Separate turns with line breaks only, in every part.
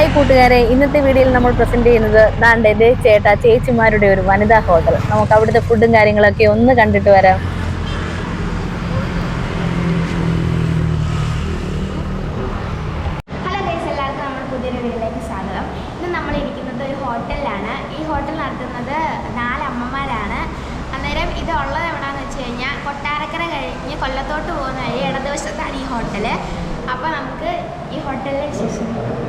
Hi കൂട്ടുകാരെ, ഇന്നത്തെ വീഡിയോയിൽ നമ്മൾ പ്രസന്റ് ചെയ്യുന്നത് ദാണ്ടെ ചേച്ചിമാരുടെ ഒരു വനിതാ ഹോട്ടൽ. നമുക്ക് അവിടുത്തെ ഫുഡും കാര്യങ്ങളൊക്കെ ഒന്ന് കണ്ടിട്ട് വരാം.
ഹലോ ഗൈസ്, എല്ലാവർക്കും നമ്മുടെ പുതിയൊരു വീഡിയോയിലേക്ക് സ്വാഗതം. ഇന്ന് നമ്മൾ ഇരിക്കുന്നത് ഒരു ഹോട്ടലിലാണ്. ഈ ഹോട്ടൽ നടത്തുന്നത് 4 അമ്മമാരാണ്. അന്നേരം ഇത് ഉള്ളത് എവിടെയാണെന്ന് വെച്ച് കഴിഞ്ഞാൽ കൊട്ടാരക്കര കഴിഞ്ഞ് കൊല്ലത്തോട്ട് പോകുന്ന വഴി ഇടതുവശത്താണ് ഈ ഹോട്ടൽ. അപ്പോൾ നമുക്ക് ഈ ഹോട്ടലിലെ വിശേഷം.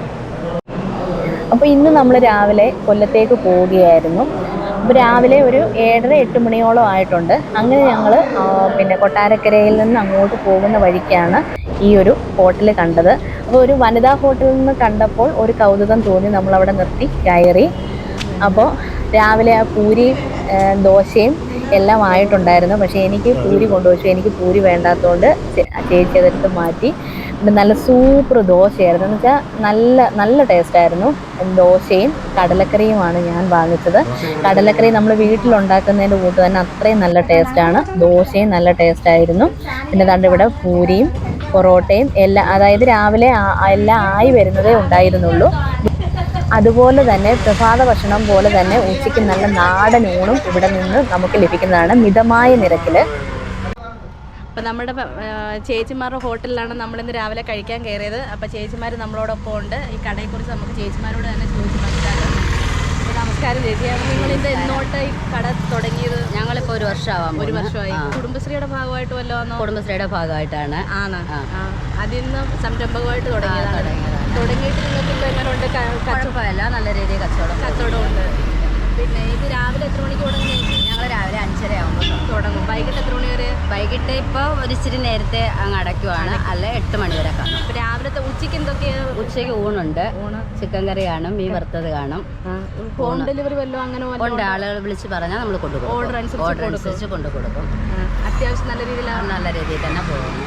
അപ്പോൾ ഇന്ന് നമ്മൾ രാവിലെ കൊല്ലത്തേക്ക് പോവുകയായിരുന്നു. അപ്പോൾ രാവിലെ ഒരു 7:30-8 മണിയോളം ആയിട്ടുണ്ട്. അങ്ങനെ ഞങ്ങൾ കൊട്ടാരക്കരയിൽ നിന്ന് അങ്ങോട്ട് പോകുന്ന വഴിക്കാണ് ഈ ഒരു ഹോട്ടൽ കണ്ടത്. അപ്പോൾ ഒരു വനിതാ ഹോട്ടലിൽ നിന്ന് കണ്ടപ്പോൾ ഒരു കൗതുകം തോന്നി, നമ്മളവിടെ നിർത്തി കയറി. അപ്പോൾ രാവിലെ ആ പൂരിയും ദോശയും എല്ലാം ആയിട്ടുണ്ടായിരുന്നു. പക്ഷേ എനിക്ക് പൂരി കൊണ്ടുവച്ചു. എനിക്ക് പൂരി വേണ്ടാത്തതുകൊണ്ട് ചേച്ചി അതെടുത്ത് മാറ്റി. നല്ല സൂപ്പർ ദോശയായിരുന്നു. എന്ന് വെച്ചാൽ നല്ല ടേസ്റ്റായിരുന്നു. ദോശയും കടലക്കറിയുമാണ് ഞാൻ വാങ്ങിച്ചത്. കടലക്കറി നമ്മൾ വീട്ടിലുണ്ടാക്കുന്നതിൻ്റെ കൂട്ട് തന്നെ അത്രയും നല്ല ടേസ്റ്റാണ്. ദോശയും നല്ല ടേസ്റ്റായിരുന്നു. പിന്നെ ദാണ്ട് ഇവിടെ പൂരിയും പൊറോട്ടയും എല്ലാം, അതായത് രാവിലെ എല്ലാം ആയി വരുന്നതേ ഉണ്ടായിരുന്നുള്ളൂ. അതുപോലെ തന്നെ പ്രഭാത ഭക്ഷണം പോലെ തന്നെ ഉച്ചയ്ക്ക് നല്ല നാടൻ ഊണും ഇവിടെ നിന്ന് നമുക്ക് ലഭിക്കുന്നതാണ് മിതമായ നിരക്കിൽ.
അപ്പോൾ നമ്മുടെ ചേച്ചിമാരുടെ ഹോട്ടലിലാണ് നമ്മളിന്ന് രാവിലെ കഴിക്കാൻ കയറിയത്. അപ്പോൾ ചേച്ചിമാർ നമ്മളോടൊപ്പം ഉണ്ട്. ഈ കടയെക്കുറിച്ച് നമുക്ക് ചേച്ചിമാരോട് തന്നെ ചോദിച്ച് മനസ്സിലാക്കാം. അപ്പോൾ നമസ്കാരം ചേച്ചി, നിങ്ങളിത് എന്നോട്ട് ഈ കട തുടങ്ങിയത്?
ഞങ്ങളിപ്പോൾ 1 വർഷമാവാം.
1 വർഷമായി. കുടുംബശ്രീയുടെ ഭാഗമായിട്ട് വല്ലതും?
കുടുംബശ്രീയുടെ ഭാഗമായിട്ടാണ്.
അതിൽ നിന്ന് സംരംഭകമായിട്ട് തുടങ്ങിയതാണ്. തുടങ്ങിയിട്ട് നിങ്ങൾക്ക് ഇപ്പോൾ എങ്ങനെയുണ്ട്?
കുഴപ്പമില്ല, നല്ല രീതിയിൽ കച്ചവടമുണ്ട്.
പിന്നെ ഇത് രാവിലെ എത്ര മണിക്ക് തുടങ്ങി?
ഞങ്ങൾ രാവിലെ 5:30 ആകുമ്പോൾ
തുടങ്ങും. വൈകിട്ട് എത്ര മണി വരെ?
വൈകിട്ട് ഇപ്പോൾ ഒരു ഇച്ചിരി നേരത്തെ അങ്ങ് അടയ്ക്കുവാണ്, അല്ല 8 മണി വരെ കാണും.
അപ്പോൾ രാവിലത്തെ ഉച്ചയ്ക്ക് എന്തൊക്കെയാണ്?
ഉച്ചയ്ക്ക് ഊണുണ്ട്. ചിക്കൻ കറി കാണും, മീൻ വറുത്തത് കാണും.
ഹോം ഡെലിവറി വല്ലതും അങ്ങനെ
ഉണ്ട്. ആളുകൾ വിളിച്ച് പറഞ്ഞാൽ നമ്മൾ കൊണ്ടുപോകും. ഓർഡർ അനുസരിച്ച് കൊണ്ടു കൊടുക്കും.
അത്യാവശ്യം നല്ല
രീതിയിൽ തന്നെ പോകുന്നു.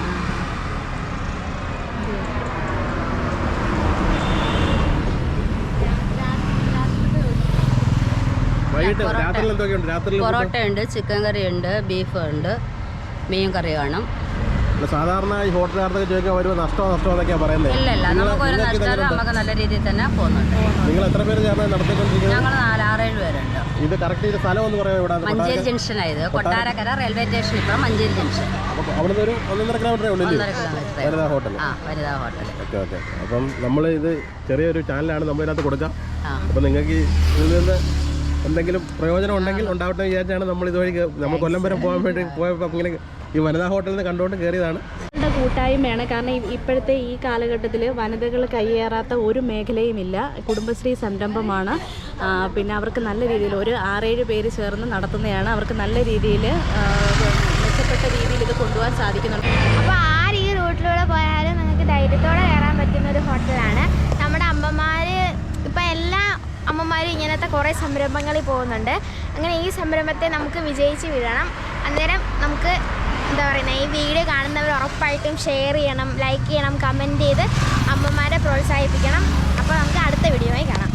പൊറോട്ട ഉണ്ട്, ചിക്കൻ കറി ഉണ്ട്, ബീഫ് ഉണ്ട്, മീൻ കറി കാണും.
സാധാരണ ഈ ഹോട്ടലുകാർക്ക് ചോദിക്കാൻ വരുമ്പോൾ നഷ്ടമൊക്കെയാണ് പറയുന്നത്.
ഇല്ല, നമുക്ക് ഒരു നഷ്ടമല്ല, നമുക്ക് നല്ല രീതിയിൽ തന്നെ പോകുന്നുണ്ട്.
നിങ്ങൾ എത്ര പേര് ചേർന്ന് നടത്തിക്കൊണ്ടിരിക്കുന്നത്?
ഞങ്ങൾ 4-6-7 പേരുണ്ട്.
ഇത് കറക്റ്റ് ചെയ്ത സ്ഥലം എന്ന് പറയുമ്പോൾ
മഞ്ചേരി ജംഗ്ഷനായത്. കൊട്ടാരക്കര റെയിൽവേ സ്റ്റേഷൻ ഇപ്പം മഞ്ചേരി ജംഗ്ഷൻ.
അവിടുന്ന് ഒരു 1.5 കിലോമീറ്റർ ഉള്ളൂ വനിതാ ഹോട്ടൽ.
വനിതാ ഹോട്ടൽ.
ഓക്കെ. അപ്പം നമ്മൾ ഇത് ചെറിയൊരു ചാനലാണ് നമ്മളിതിനകത്ത് കൊടുക്കാം. അപ്പം നിങ്ങൾക്ക് ഇതിൽ നിന്ന് എന്തെങ്കിലും പ്രയോജനം ഉണ്ടെങ്കിൽ ഉണ്ടാവട്ടെ വിചാരിച്ചാണ് നമ്മൾ ഇതുവഴി നമ്മൾ കൊല്ലം വരെ പോകാൻ വേണ്ടി പോയപ്പോൾ ഇങ്ങനെ ഈ വനിതാ ഹോട്ടലിൽ നിന്ന് കണ്ടുകൊണ്ട് കയറിയതാണ്.
കൂട്ടായ്മയാണ്. കാരണം ഇപ്പോഴത്തെ ഈ കാലഘട്ടത്തിൽ വനിതകൾ കയ്യേറാത്ത ഒരു മേഖലയുമില്ല. കുടുംബശ്രീ സംരംഭമാണ്. പിന്നെ അവർക്ക് നല്ല രീതിയിൽ ഒരു 6-7 പേര് ചേർന്ന് നടത്തുന്നതാണ്. അവർക്ക് നല്ല രീതിയിൽ മെച്ചപ്പെട്ട രീതിയിൽ ഇത് കൊണ്ടുപോകാൻ സാധിക്കുന്നുണ്ട്.
അപ്പോൾ ആര് ഈ റൂട്ടിലൂടെ പോയാലും നിങ്ങൾക്ക് ധൈര്യത്തോടെ കയറാൻ പറ്റുന്ന ഒരു ഹോട്ടലാണ്. നമ്മുടെ അമ്മമാർ ഇപ്പം എല്ലാ അമ്മമാരും ഇങ്ങനത്തെ കുറേ സംരംഭങ്ങളിൽ പോകുന്നുണ്ട്. അങ്ങനെ ഈ സംരംഭത്തെ നമുക്ക് വിജയിച്ച് വിടണം. അന്നേരം നമുക്ക് എന്താ പറയുന്നത്, ഈ വീഡിയോ കാണുന്നവർ ഉറപ്പായിട്ടും ഷെയർ ചെയ്യണം, ലൈക്ക് ചെയ്യണം, കമൻറ്റ് ചെയ്ത് അമ്മമാരെ പ്രോത്സാഹിപ്പിക്കണം. അപ്പോൾ നമുക്ക് അടുത്ത വീഡിയോയിൽ കാണാം.